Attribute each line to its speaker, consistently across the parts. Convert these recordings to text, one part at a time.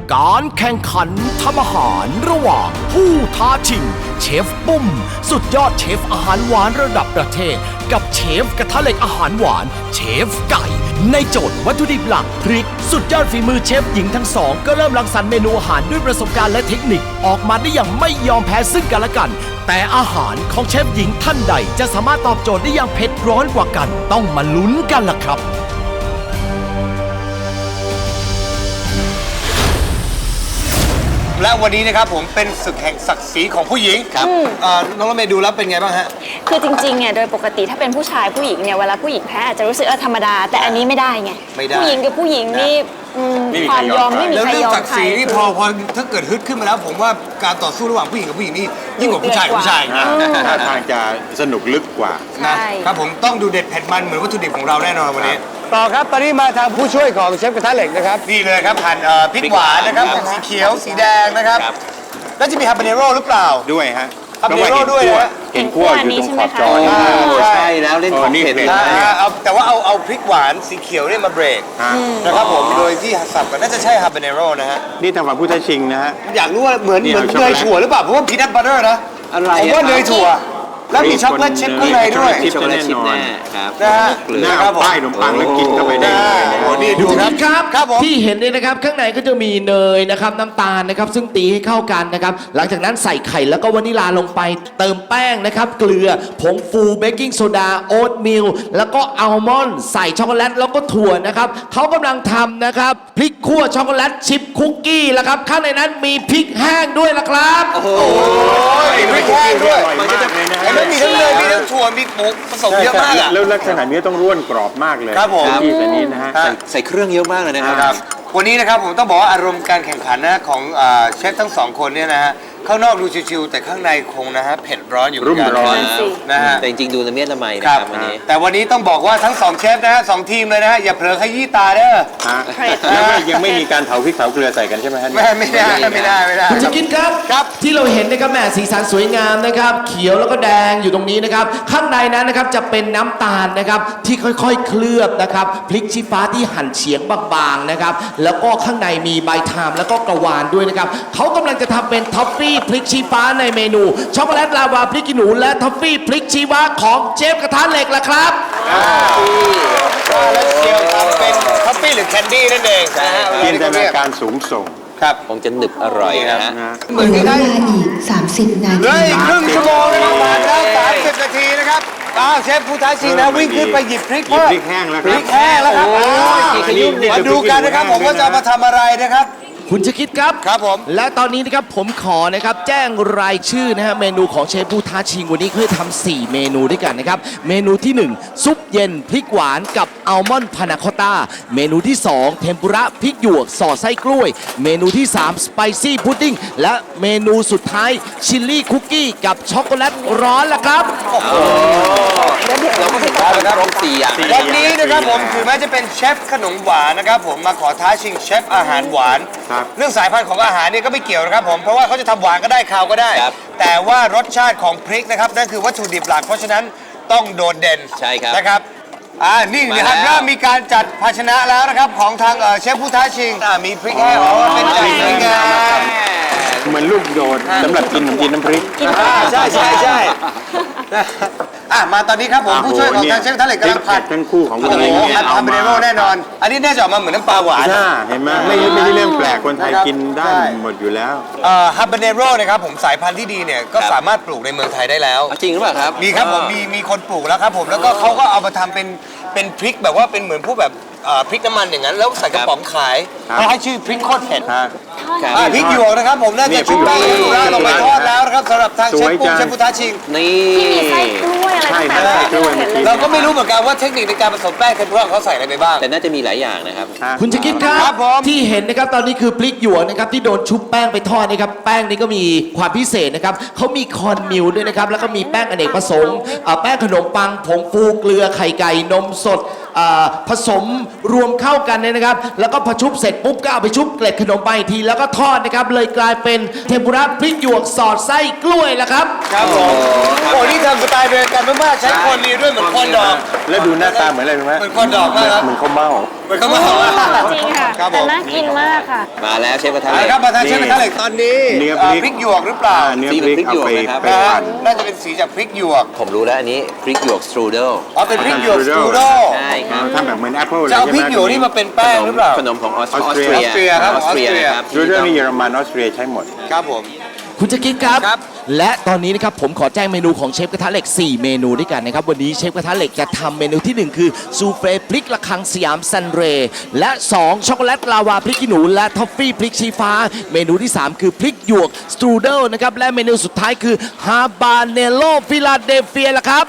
Speaker 1: การแข่งขันทำอาหารระหว่างผู้ท้าชิงเชฟปุ้มสุดยอดเชฟอาหารหวานระดับประเทศกับเชฟกระทะเหล็กอาหารหวานเชฟไก่ในโจทย์วัตถุดิบหลักพริกสุดยอดฝีมือเชฟหญิงทั้งสองก็เริ่มรังสรรค์เมนูอาหารด้วยประสบการณ์และเทคนิคออกมาได้อย่างไม่ยอมแพ้ซึ่งกันและกันแต่อาหารของเชฟหญิงท่านใดจะสามารถตอบโจทย์ได้อย่างเผ็ดร้อนกว่ากันต้องมาลุ้นกันล่ะครับ
Speaker 2: และวันนี้นะครับผมเป็นศึกแห่งศักดิ์ศรีของผู้หญิงครับน้องรถเมย์ดูแล้วเป็นไงบ้างฮะ
Speaker 3: คือจริงๆเนี่ยโดยปกติถ้าเป็นผู้ชายผู้หญิงเนี่ยเวลาผู้หญิงแพ้อาจจะรู้สึกธรรมดาแต่อันนี้ไม่ได้ไงผู้หญิงกับผู้หญิงนี่ความยอมไม่มีใครยอมใครแล้ว
Speaker 2: เรื่องศักดิ์ศรีนี่พอถ้าเกิดฮึดขึ้นมาแล้วผมว่าการต่อสู้ระหว่างผู้หญิงกับผู้หญิงนี่ยิ่งกว่าผู้ชายกับผู้ชายนะ
Speaker 4: ท่าทางจะสนุกลึกกว่า
Speaker 2: นะครับผมต้องดูเด็ดเผ็ดมันเหมือนวัตถุดิบของเราแน่นอนวันนี้ต่อครับตอนนี้มาทางผู้ช่วยของเชฟกระทะเหล็กนะครับนี่เลยครับหั่นพริกหวานนะครับสีเขียวสีแดงนะครับแล้วจะมีฮาบาเนโร่หรือเปล่า
Speaker 4: ด้วยฮะ
Speaker 2: ฮาบาเนโร่ด้วยนะ
Speaker 4: เห็นขั้วอยู่ตรงขอบจอ
Speaker 2: ใช่แล้วเล่นของเผ็ดแต่ว่าเอาพริกหวานสีเขียวเนี่ยมาเบรกนะครับผมโดยที่สับกันน่าจะใช่ฮาบาเนโร่นะฮะ
Speaker 4: นี่ทางฝั่งผู้ท้าชิงนะฮะ
Speaker 2: อยากรู้ว่าเหมือนเนยถั่วหรือเปล่าเพราะว่าพีนัทบัตเตอร์นะผมว่าเนยถั่วแล้วมีช็อกโกแลตชิพข้างในด้วย
Speaker 4: ช็อกโกแลตชิพแน่ครับ
Speaker 2: นะฮะ
Speaker 4: หน้าป้ายขนมปังแล้วกินเข้าไปได้
Speaker 2: โอ้นี่ดู
Speaker 1: ครับที่เห็นเนี่ยนะครับข้างในก็จะมีเนยนะครับน้ำตาลนะครับซึ่งตีให้เข้ากันนะครับหลังจากนั้นใส่ไข่แล้วก็วานิลาลงไปเติมแป้งนะครับเกลือผงฟูเบกกิ้งโซดาโอ๊ตมิลแล้วก็อัลมอนด์ใส่ช็อกโกแลตแล้วก็ถั่วนะครับเขากำลังทำนะครับพริกคั่วช็อกโกแลตชิพคุกกี้แล้วครับข้างในนั้นมีพริกแห้งด้วยละครับ
Speaker 2: โอ้โหพริกแห้งด้วยมันก็จะมีทั้งเนยมีทั้งถั่วมีหมูผสมเยอะมาก
Speaker 4: แล้วลักษณะนี้ต้องร่วนกรอบมากเลย
Speaker 2: ครับผม
Speaker 4: ที่ตัวนี้นะฮะ
Speaker 5: ใส่เครื่องเยอะมากเลยนะครับ
Speaker 2: วันนี้นะครับผมต้องบอกว่าอารมณ์การแข่งขันนะของเชฟทั้งสองคนเนี่ยนะฮะข้างนอกดูชิวๆแต่ข้างในคงนะฮะเผ็ดร้อนอยู่เหมือนกันนะฮะ
Speaker 5: แต่จริงๆดูละเมียดละไมนะครับวันนี้
Speaker 2: แต่วันนี้ต้องบอกว่าทั้งสองเชฟนะฮะสองทีมเลยนะฮะอย่าเผลอขยี้ตาเด้อ
Speaker 4: แล้วยังไม่มีการเผาพริกเผาเกลือใส่กันใช่ไหมฮะ
Speaker 2: ไม่ได้
Speaker 1: คุณจะกินครับที่เราเห็นนะครับแหมสีสันสวยงามนะครับเขียวแล้วก็แดงอยู่ตรงนี้นะครับข้างในนั้นนะครับจะเป็นน้ำตาลนะครับที่ค่อยๆเคลือบนะครับพริกชี้ฟ้าที่หั่นเฉียงบางๆนะครับแล้วก็ข้างในมีใบทามแล้วก็กระวานด้วยนะครับเขากำลังจะทำเป็นท็อฟฟี่พริกชี้ฟ้าในเมนูช็อกโกแลตลาวาพริกขี้หนูและท็อฟฟี่พริกชี้ฟ้าของเชฟกระทะเหล็กล่ะครับ
Speaker 2: แล้วเชียวทำเป็นท็อฟฟี่หรือแคนดี้นั่นเองนะฮะ
Speaker 4: จินตนาการสูงส่ง
Speaker 2: ครับ
Speaker 5: คงจะหนึบอร่อยนะฮะ
Speaker 6: เหลือเวลาอีก30 นาที
Speaker 2: เลยอีกครึ่งชั่วโมงนะครับผ่านแล้ว30 นาทีนะครับเชฟผู้ท้าชิงนะวิ่งขึ้นไปหยิบพริก
Speaker 4: แห้งแล้ว
Speaker 2: พริกแห้งแล้วครับมาดูกันนะครับผมว่าจะมาทำอะไรนะครับ
Speaker 1: คุณจะคิดครับ
Speaker 2: ครับผม
Speaker 1: และตอนนี้นะครับผมขอนะครับแจ้งรายชื่อนะฮะเมนูของเชฟผู้ท้าชิงวันนี้คือทำ4เมนูด้วยกันนะครับเมนูที่1ซุปเย็นพริกหวานกับอัลมอนด์พานาคอตต้าเมนูที่2เทมปุระพริกหยวกสอดไส้กล้วยเมนูที่3สไปซี่พุดดิ้งและเมนูสุดท้ายชิลลี่คุกกี้กับช็อกโกแลตร้อนละครับ
Speaker 5: เราก็เห็นว่าครบ4อย่าง
Speaker 2: วันนี้นะครับผมถึงแม้จะเป็นเชฟขนมหวานนะครับผมมาขอท้าชิงเชฟอาหารหวานเรื่องสายพันธุ์ของอาหารนี่ก็ไม่เกี่ยวนะครับผมเพราะว่าเขาจะทำหวานก็ได้คาวก็ได้แต่ว่ารสชาติของพริกนะครับนั่นคือวัตถุดิบหลักเพราะฉะนั้นต้องโดดเด่น
Speaker 5: ใช่ครับ
Speaker 2: นะครับนี่นะครับเริ่มมีการจัดภาชนะแล้วนะครับของทางเชฟผู้ท้าชิงมีพริกแห้งเป็นไก่สวยงาม
Speaker 4: เหมือนลูกโดดสำหรับกินน้ำพริก
Speaker 2: ใช่มาตอนนี้ครับผมผู้ช่วยของทางเชฟท่านเหล็กกำลังผัด
Speaker 4: ทั้งคู่ของ
Speaker 2: คุณฮาบาเนโร่แน่นอนอันนี้น่าจะออกมาเหมือนน้ำปลาหวาน
Speaker 4: เห็นไหมไม่ได้เรื่องแปลกคนไทยกินได้หมดอยู่แล้ว
Speaker 2: ฮาบาเนโร่นะครับผมสายพันธุ์ที่ดีเนี่ยก็สามารถปลูกในเมืองไทยได้แล้ว
Speaker 5: จริงหรือเปล่าครับ
Speaker 2: มีครับผมมีคนปลูกแล้วครับผมแล้วก็เขาก็เอามาทำเป็นพริกแบบว่าเป็นเหมือนพวกแบบพริกน้ำมันอย่างนั้นแล้วใส่กระป๋องขายให้ชื่อพริกโคตรเผ็ดพริกหยวกนะครับผมน่าจะชุบแป้งลงไปทอดแล้วนะครับสำหรับทางเชฟปุ้งเชฟพุทธาชิง
Speaker 5: นี่
Speaker 3: ที่มีไส้กล้วยอะไรต่างๆ
Speaker 2: เราก็ไม่รู้เหมือนกันว่าเทคนิคในการผสมแป้งเทมปุระเขาใส่อะไรไปบ้าง
Speaker 5: แต่น่าจะมีหลายอย่างนะครับ
Speaker 1: คุณจะคิดครับที่เห็นนะครับตอนนี้คือพริกหยวกนะครับที่โดนชุบแป้งไปทอดนะครับแป้งนี้ก็มีความพิเศษนะครับเขามีคอร์นมิลด้วยนะครับแล้วก็มีแป้งอเนกประสงค์แป้งขนมปังผงฟูเกลือไข่ไก่นมสดผสมรวมเข้ากันเนี่ยนะครับแล้วก็พอชุบเสร็จปุ๊บก็เอาไปชุบเกล็ดขนมปังอีกทีแล้วก็ทอดนะครับเลยกลายเป็นเทมปุระพริกหยวกสอดไส้กล้วยละครับ
Speaker 2: ครับผมโอ้นี่ทำสไตล์เดียวกันมากๆใช้คอนดีด้วยเหมือนคอนดอก
Speaker 4: แล้วดูหน้าตาเหมือนอะไรรู้ไหม
Speaker 2: เหมือนคอนดอกมากครับ
Speaker 4: เหมือนข้าวเม่า
Speaker 2: เหมือนข้าวเม่า
Speaker 3: จริงค่ะ
Speaker 2: ครับผ
Speaker 3: แต่
Speaker 2: ม
Speaker 3: น่ากินมากค่ะ
Speaker 5: มาแล้วเชฟกระทะ
Speaker 2: เอา
Speaker 5: เหล็
Speaker 2: ละ
Speaker 5: ก
Speaker 2: ครับมาทานเชฟกระทะเหล็กตอนนี้
Speaker 4: เนื้อ
Speaker 2: พริกหยวกหรือเปล่า
Speaker 4: เนื้อพริกเอาไป
Speaker 5: สีเหมือนพริกหยวกนะครับ
Speaker 4: ไป
Speaker 2: นะฮะ
Speaker 4: ปั่น
Speaker 2: น่าจะเป็นสีจากพริกหยวก
Speaker 5: ผมรู้แล้วอันนี้พริกหยวกสตรูเดิล
Speaker 2: อ๋อเป็นพริกหยวกสตูโด
Speaker 5: ใช่ครับ
Speaker 4: ทำแบบเหมือนแอปเปิลเลย
Speaker 2: จะเอา
Speaker 4: ใช่
Speaker 2: พ
Speaker 4: ไหม
Speaker 2: ริกหยวกนี่มาเป็นแป้งหรือเปล่า
Speaker 5: ขนมของออส
Speaker 4: ออส
Speaker 5: เต
Speaker 4: เตรี
Speaker 5: รี
Speaker 4: ย
Speaker 5: ย
Speaker 2: ครับ
Speaker 5: ออสเตรีย
Speaker 2: ออสเตรีย
Speaker 5: ครับ
Speaker 4: รูเดอร์นี่เยอรมันออสเตรียใช้หมด
Speaker 2: ครับผม
Speaker 1: คุณจะคิดครับ
Speaker 2: ครับ
Speaker 1: และตอนนี้นะครับผมขอแจ้งเมนูของเชฟกระทะเหล็ก 4 เมนูด้วยกันนะครับ วันนี้เชฟกระทะเหล็กจะทำเมนูที่ 1 คือซูเฟ่พริกระคังสยามซันเรย์และ 2 ช็อกโกแลตลาวาพริกขี้หนูและทอฟฟี่พริกชี้ฟ้า เมนูที่ 3 คือพริกหยวกสตรูเดิลนะครับและเมนูสุดท้ายคือฮาบาเนโลฟิลาเดลเฟียละครับ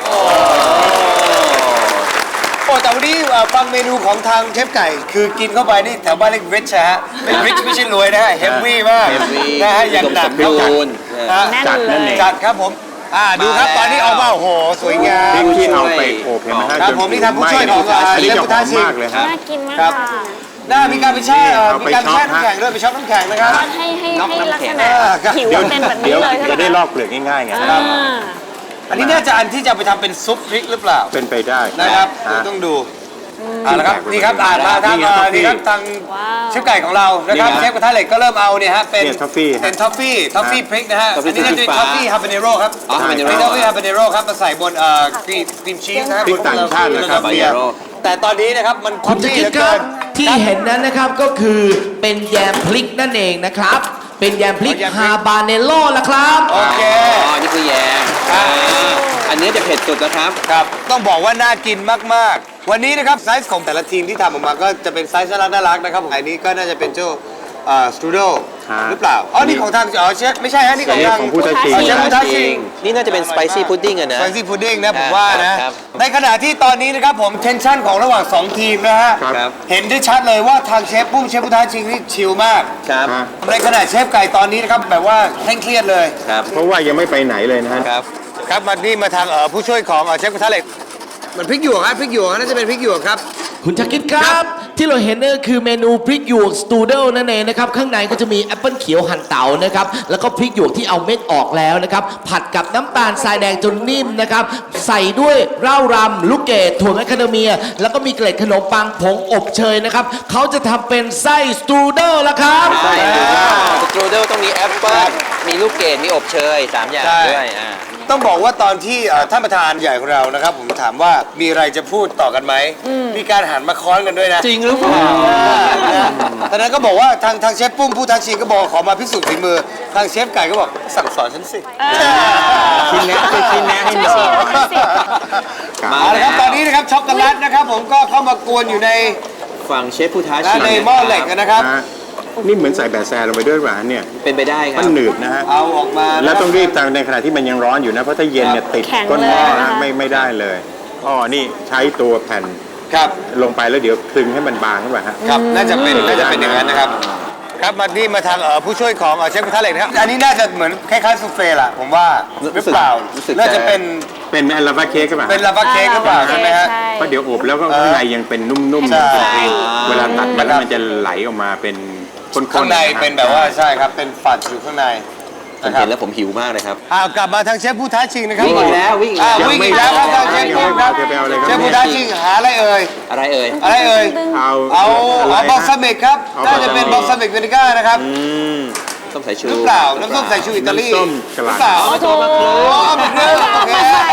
Speaker 2: โอ้แต่วันนี้ฟังเมนูของทางเชฟไก่ คือกินเข้าไปนี่แถวบ้านเรียกริชฮะเป็นริชไม่ใช่รวยนะฮะเฮฟวี่มาก
Speaker 5: heavy
Speaker 2: นะฮะอย่างหนัก
Speaker 5: อุดมสมบูรณ์
Speaker 2: ฮะ
Speaker 3: แน่น
Speaker 4: จัด
Speaker 3: เล
Speaker 4: นั่น
Speaker 3: ย
Speaker 4: เอง
Speaker 2: จัดครับผมดูครับ
Speaker 5: มาแล้ว
Speaker 2: ตอนนี้ออกมาโอ้โหสวยงา
Speaker 4: พริ
Speaker 2: ม
Speaker 4: กที่เอาไปอบเห็นไหมฮะ
Speaker 2: ครับ
Speaker 4: จ
Speaker 2: ผมนี่ทำผู้ช่วยของ
Speaker 4: อันนี้
Speaker 2: เชฟ
Speaker 4: จะ
Speaker 2: พุท
Speaker 4: ห
Speaker 2: ธา
Speaker 4: อม
Speaker 2: ชิง
Speaker 4: มากเลยฮะ
Speaker 3: น่ากินมาก
Speaker 2: ครับ
Speaker 3: ค่ะ
Speaker 2: มีการไปแช่
Speaker 4: เอาไป
Speaker 2: มีการแช่
Speaker 4: ช็อป
Speaker 2: น้ำแข็งด้วยไปช็อปน้ำแข็งนะครับ
Speaker 3: ให้ลักษณะ
Speaker 2: ครับ
Speaker 3: ผิว
Speaker 4: เดี๋ยว
Speaker 3: เป็นแบบนี้
Speaker 4: เดี๋ยว
Speaker 3: เลยใช่
Speaker 4: จะ
Speaker 3: ไหม
Speaker 4: ได้
Speaker 3: คะ
Speaker 4: ลอกเปลือกง่ายๆไง
Speaker 3: อ่า
Speaker 2: อันนี้น่าจะอันที่จะไปทำเป็นซุปพริกหรือเปล่า
Speaker 4: เป็นไปได้
Speaker 2: นะครับ
Speaker 4: ฮะ
Speaker 2: ต้องดูเอาละครับนี่ครับอ่านมาทาง
Speaker 4: นี่ไง
Speaker 2: นี่ครับทาง
Speaker 3: ว้าว
Speaker 2: เชฟไก่ของเรานะครับ
Speaker 5: นี่นะ
Speaker 2: เชฟกระทะเหล็กก็เริ่มเอาเนี่ยฮะเป็น
Speaker 4: เนี่ย toffee ฮะ
Speaker 2: เป็นทอฟฟี่พริกนะฮะ
Speaker 5: toffee
Speaker 2: อันนี้น่าจะเป็น
Speaker 5: สี
Speaker 2: ท
Speaker 5: ฟ้า
Speaker 2: อฟฟี่ฮาบาเนโร่ครับ
Speaker 5: อ๋อ habanero
Speaker 2: เป็นทอฟฟี่ฮาบาเนโร่ครับมาใส่บนครีมชีสนะครับ
Speaker 4: พริกต่างชาตินะครับ
Speaker 2: เบียร์แต่ตอนนี้นะครับมันท
Speaker 1: คุ
Speaker 2: อ
Speaker 1: ณ
Speaker 2: ฟ
Speaker 1: จะ
Speaker 2: ฟี่
Speaker 1: คิ
Speaker 2: เห
Speaker 1: ด
Speaker 2: ลือ
Speaker 1: ค
Speaker 2: เกิ
Speaker 1: รับ
Speaker 2: น
Speaker 1: ที่เห็นนั้นนะครับก็คือเป็นแยมพริกนั่นเองนะครับ เป็นแยมพริก
Speaker 2: แยมพริก
Speaker 1: ฮาบาเนโลละครับ
Speaker 2: โอเค
Speaker 5: อ๋อนี่คือแยมอันนี้จะเผ็ดสุดนะครับ
Speaker 2: ครับต้องบอกว่าน่ากินมากๆ วันนี้นะครับไซส์ของแต่ละทีมที่ทำออกมาก็จะเป็นไซส์น่ารักนะครับอันนี้ก็น่าจะเป็นเจ้าสตูดิโอ
Speaker 4: ฮะ
Speaker 2: หรือเปล่าอ๋อนี่ของทางเชฟไม่ใช่ฮะนี่ของทาง
Speaker 4: ของผู้ท้าชิง
Speaker 2: อ๋อเชฟผู้ท้าชิง
Speaker 5: นี่น่าจะเป็นสไปซี่พุดดิ้งอะนะ
Speaker 2: สไปซี่พุดดิ้งนะผมว่านะ
Speaker 5: ครับ
Speaker 2: ในขณะที่ตอนนี้นะครับผมเทนชั่นของระหว่าง 2 ทีมนะฮะ
Speaker 4: ครับ
Speaker 2: เห็นได้ชัดเลยว่าทางเชฟปุ้มเชฟผู้ท้าชิงนี่ชิลมาก
Speaker 5: ครับ
Speaker 4: ฮะ
Speaker 2: ในขณะเชฟไก่ตอนนี้นะครับแบบว่าเคร่งเครียดเลย
Speaker 5: ครับ
Speaker 4: เพราะว่ายังไม่ไปไหนเลยนะฮะ
Speaker 5: ครับ
Speaker 2: ครับมานี่มาทางผู้ช่วยของเชฟกระทะเหล็กมันพริกหยวกครับพริกหยวกน่าจะเป็นพริกหยวกครับ
Speaker 1: คุณจะคิดครับ ที่เราเห็นนั่นก็คือเมนูพริกหยวกสตูดิโอนั่นเองนะครับข้างในก็จะมีแอปเปิลเขียวหั่นเต๋านะครับแล้วก็พริกหยวกที่เอาเม็ดออกแล้วนะครับผัดกับน้ำตาลทรายแดงจนนิ่มนะครับใส่ด้วยเหล้ารำลูกเกดถั่วแมคคาเดเมีย แล้วก็มีเกล็ดขนมปังผงอบเชยนะครับเขาจะทำเป็นไส้สตูดิโอละครับ
Speaker 5: ใช่สตรูเดิลต้องมีแอปเปิ้ลมีลูกเกดมีอบเชย3อย่าง
Speaker 2: ใช่
Speaker 5: ด้วย
Speaker 2: ต้องบอกว่าตอนที่ท่านประธานใหญ่ของเรานะครับ ผมถามว่ามีอะไรจะพูดต่อกันไหมมีการหันมาค้อนกันด้วยนะ
Speaker 5: จริงหรือเปล่า
Speaker 2: ตอนนั้นก็บอกว่าทางเชฟปุ้มผู้ท้าชิงก็บอกขอมาพิสูจน์ฝีมือ ทางเชฟไก่ก็บอกสั่งสอนฉันสิ
Speaker 4: ชิ้นแนะคือชิ้นแนะให้หน่อย
Speaker 2: เอาละครับตอนนี้นะครับช็อกโกแลตนะครับ ผมก็เข้ามากวนอยู่ใน
Speaker 5: ฝั่งเชฟผู้ท้าชิง
Speaker 2: ในหม้อเหล็กนะครับ
Speaker 4: ฮะนี่เหมือนใส่แบะแซลงไปด้วยหวานเนี่ย
Speaker 5: เป็นไปได้ครั
Speaker 4: มั
Speaker 5: บ
Speaker 4: นหนืดนะฮะ
Speaker 2: เอาออกมานะค
Speaker 4: แล้ว
Speaker 2: บ
Speaker 4: ต้องรีบทำในขณะที่มันยังร้อนอยู่นะ เพราะถ้าเย็นเนี่ยติด
Speaker 3: แข็ง
Speaker 4: ก้นหม้อ
Speaker 3: เลยนะ
Speaker 4: นะคะ ไม่ได้เลยอ๋อนี่ใช้ตัวแผ่น
Speaker 2: ครับ
Speaker 4: ลงไปแล้วเดี๋ยวคลึงให้มันบางขึ้นไปฮะ
Speaker 2: ครับน่าจะเป็นอย่างนั้นนะครับ ครับมานี่มาทางผู้ช่วยของเชฟกระทะเหล็กนะครับอันนี้น่าจะเหมือนคล้ายๆซูเฟ่ล่ะผมว่าหรือเปล่า
Speaker 5: รู้สึก
Speaker 2: น่าจะเป็น
Speaker 4: เป็นแอลลาบาเค้กใช่ไหม
Speaker 2: เป็นลาวาเค้กหรือเปล่าใช่ไหมฮะ
Speaker 4: เพราะเดี๋ยวอบแล้วก็ข้างในยังเป็นนุ่ม
Speaker 2: ใช่
Speaker 4: ๆเวลาตัดมาแล้วมันจะไหลออกมาเป็นข้นๆ
Speaker 2: ข้างในเป็นแบบว่าใช่ครับเป็นฝัดอยู่ข้างใน
Speaker 5: ผม
Speaker 2: นะครั
Speaker 5: เห็
Speaker 2: บ
Speaker 5: นแล้วผมหิวมากเลยครับ
Speaker 2: กลับมาทางเชฟผู้ท้าชิงนะครับ
Speaker 5: วิ่งอีกแล้ววิ่งอีกแล้ว
Speaker 2: วิ่งอีกแล้วครับทางเชฟปุ้มครับ
Speaker 4: ไปเอาอะไรครับ
Speaker 2: เชฟผู้ท้าชิงหาอะไรเอ่ย
Speaker 5: อะไรเอ่ย
Speaker 2: อะไรเอ่ย
Speaker 4: เอา
Speaker 2: เอา
Speaker 4: อะไร
Speaker 2: บอลซามิกครับ
Speaker 4: เอา
Speaker 2: น่าจะเป็นบอลซามิกเวนิก้านะครับ
Speaker 5: ส้มสายชู
Speaker 2: หรือเปล่าน้ำส้มสายชูอิตาลี
Speaker 4: น้ำส้มกะ
Speaker 2: ห
Speaker 4: ห
Speaker 2: รื
Speaker 4: ล่ำ
Speaker 2: อเปล่าโอ้โหเป็นเรื่องโอเค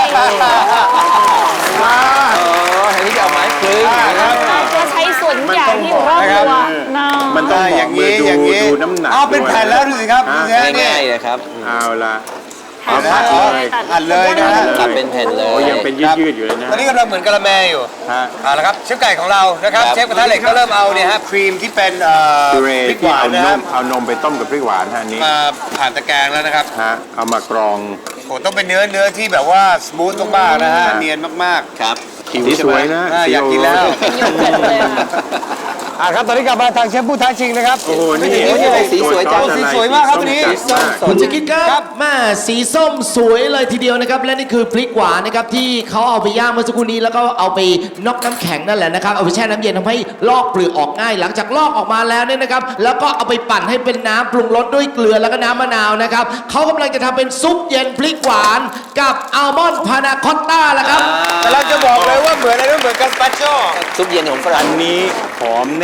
Speaker 5: โอ้อันนี้จะเอาไม้คลึง
Speaker 2: ครับ
Speaker 3: ก็ใช้ส่วนใหญ่ที่อยู่รอบตัวเนาะ
Speaker 4: มันต้อง
Speaker 2: อ
Speaker 4: บอก
Speaker 2: ย่าง
Speaker 4: มื
Speaker 2: นี้
Speaker 4: อดู
Speaker 2: อย่างนี้
Speaker 4: ดูน้ำหนัก
Speaker 2: เอาเป็นแผ่นแล้วดูสิครับดูสิฮะนี่
Speaker 5: ง่ายๆเลยครับ
Speaker 4: เอาละ
Speaker 3: หั่
Speaker 4: เอา
Speaker 3: น
Speaker 4: ผัด
Speaker 3: เล
Speaker 4: เลย
Speaker 3: ตัด
Speaker 2: หั่นเลยนะฮะ
Speaker 5: ตัดเป็นแผ่นเล
Speaker 4: โอ้
Speaker 5: ย
Speaker 4: ยังเป็นยืดๆอยู่เลยนะ
Speaker 2: ตอนนี้กำลังเหมือนกะละแมอยู่
Speaker 4: ฮะ
Speaker 2: เอาละครับเชฟไก่ของเรานะครับ
Speaker 5: ครับ
Speaker 2: เชฟกระทะเหล็กก็เริ่มเอาเนี่ยฮะครีมที่เป็น
Speaker 4: พิเร
Speaker 2: พริกห
Speaker 4: ที่
Speaker 2: วาน
Speaker 4: เอา
Speaker 2: นะ
Speaker 4: น
Speaker 2: ฮะ
Speaker 4: มเอานมไปต้มกับพริกหวานฮะอันนี้
Speaker 2: มาผ่านตะแกรงแล้วนะครับ
Speaker 4: ฮะเอามากรอง
Speaker 2: โหต้องเป็นเนื้อที่แบบว่าสมูทมากๆนะฮะเนียนมาก
Speaker 5: ครับหิว
Speaker 4: สี
Speaker 5: ใช่
Speaker 4: ส
Speaker 5: ไหม
Speaker 4: วยนะ
Speaker 2: อยากกินแล้ว
Speaker 3: เป็นโยเกิร์ตเลยค่ะ
Speaker 2: ครับตอนนี้กลับมาทางเชฟผู้ท้าชิงนะครับ
Speaker 4: โอ้โหนี่
Speaker 5: สีสวยจัง
Speaker 2: สีสวยมากครับวันนี้
Speaker 4: ส้มจัดมาก
Speaker 1: คุณจะคิดครับแม่สีส้มสวยเลยทีเดียวนะครับและนี่คือพริกหวานนะครับที่เขาเอาไปย่างเมื่อสักครู่นี้แล้วก็เอาไปน็อกน้ำแข็งนั่นแหละนะครับเอาไปแช่น้ำเย็นทำให้ลอกเปลือกออกง่าย หลังจากลอกออกมาแล้วเนี่ยนะครับแล้วก็เอาไปปั่นให้เป็นน้ำปรุงรสด้วยเกลือแล้วก็น้ำมะนาวนะครับเขากำลังจะทำเป็นซุปเย็นพริกหวานกับอัลมอนด์พานาคอตต้าละครับ
Speaker 2: แต่เราจะบอกเลยว่าเหมือนอะไรรู้เหมือนกัสปาโช
Speaker 5: ซุปเย็นของฝรั่
Speaker 4: อั
Speaker 5: ง
Speaker 4: นนี้หอมแ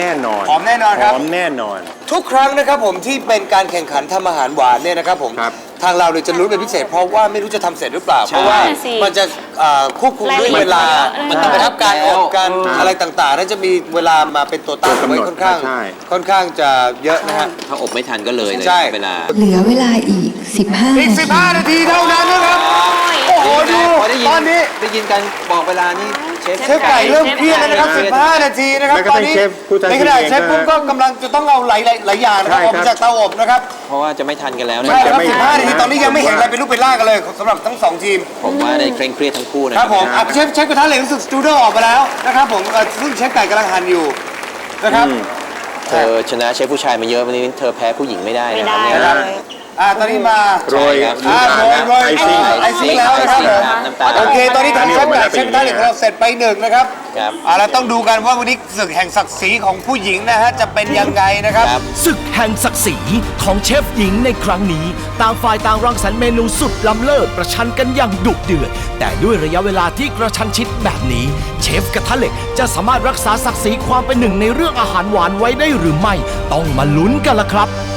Speaker 4: แน่นอน
Speaker 2: หอมแน่นอนครับ
Speaker 4: หอมแน่นอน
Speaker 2: ทุกครั้งนะครับผมที่เป็นการแข่งขันทำอาหารหวานเนี่ยนะครับผม
Speaker 4: ครับ
Speaker 2: ทางเราเนี่ยจะลุ้นเป็นพิเศษเพราะว่าไม่รู้จะทำเสร็จหรือเปล่า เพราะว่า
Speaker 3: นั่นสิ
Speaker 2: มันจะควบคุมด้วยเวลา
Speaker 3: มั
Speaker 2: มัน
Speaker 3: น
Speaker 2: ต้องไปทับการอบกัน
Speaker 4: ครับ
Speaker 2: อะไรต่างๆนั่นจะมีเวลามาเป็นตัวตั้ง
Speaker 4: ตัวกำหน
Speaker 2: ไว้
Speaker 4: ด
Speaker 2: ค่อนข้าง
Speaker 4: ใช่
Speaker 2: ค่อนข้างจะเยอะนะฮะ
Speaker 5: ถ้าอบไม่ทันก็เลย
Speaker 2: ใช่
Speaker 5: เวลา
Speaker 6: เหลือเวลาอีก 15
Speaker 2: อีก 15 นาทีเท่านั้นนะครับ โอ้โหดู
Speaker 5: พอได้ยิน
Speaker 2: ตอนนี้
Speaker 5: ได้ยินกันบอกเวลานี่เชฟ
Speaker 2: เชฟไก่เริ่มเครียดแล้วนะครับ 15 นาทีนะครับ
Speaker 4: แล้วก็
Speaker 2: ตอนนี้
Speaker 4: เชฟผู้ท้าชิ
Speaker 2: ใน
Speaker 4: ง
Speaker 2: ขณะ
Speaker 4: เอง
Speaker 2: เชฟปุ้มก็กำลังจะต้องเอาหลายอย่างนะครับ
Speaker 4: ใช่
Speaker 2: ออกมาจากเตาอบนะครับ
Speaker 5: เพราะว่าจะไม่ทันกันแล้วนะ
Speaker 2: ใช่แล้วครับ
Speaker 4: ไม่
Speaker 2: 15 นาทีตอนนี้ยังไม่เห็นอะไรเป็นรูปเป็นร่างกันเลยสำหรับทั้ง 2 ทีม
Speaker 5: ผมว่าได้เคร่งเครียดทั้งคู่นะ
Speaker 2: ครับผมเชฟกระทะเหล็กรู้สึกสตูดิโอออกมาแล้วนะครับผมซึ่งเชฟไก่กำลังหั่นอยู่นะครับ
Speaker 5: เธอชนะเชฟผู้ชายมาเยอะวันนี้เธอแพ้ผู้หญิงไม่ได้
Speaker 3: ไม่
Speaker 5: นะค
Speaker 3: ได้
Speaker 5: รับเนี่ย
Speaker 3: เลย
Speaker 2: ตอนนี้มา
Speaker 4: โรย
Speaker 5: ครับ
Speaker 2: โรย
Speaker 4: ไอซิ่ง
Speaker 2: ไอซิ่งแล้วนะครับผม
Speaker 5: น้ำตาล
Speaker 2: โอเคตอนนี้ทางเชฟไก่เชฟกระทะเหล็กของเราเสร็จไป1นะครับ
Speaker 5: ครับ
Speaker 2: เราต้องดูกันว่าวันนี้ศึกแห่งศักดิ์ศรีของผู้หญิงนะฮะจะเป็นยังไงนะครับ
Speaker 5: ครับ
Speaker 1: ศึกแห่งศักดิ์ศรีของเชฟหญิงในครั้งนี้ต่างฝ่ายต่างรังสรรค์เมนูสุดล้ำเลิศประชันกันอย่างดุเดือด แต่ด้วยระยะเวลาที่กระชันชิดแบบนี้ เชฟกระทะเหล็กจะสามารถรักษาศักดิ์ศรีความเป็นหนึ่งในเรื่องอาหารหวานไว้ได้หรือไม่ ต้องมาลุ้นกันละครับ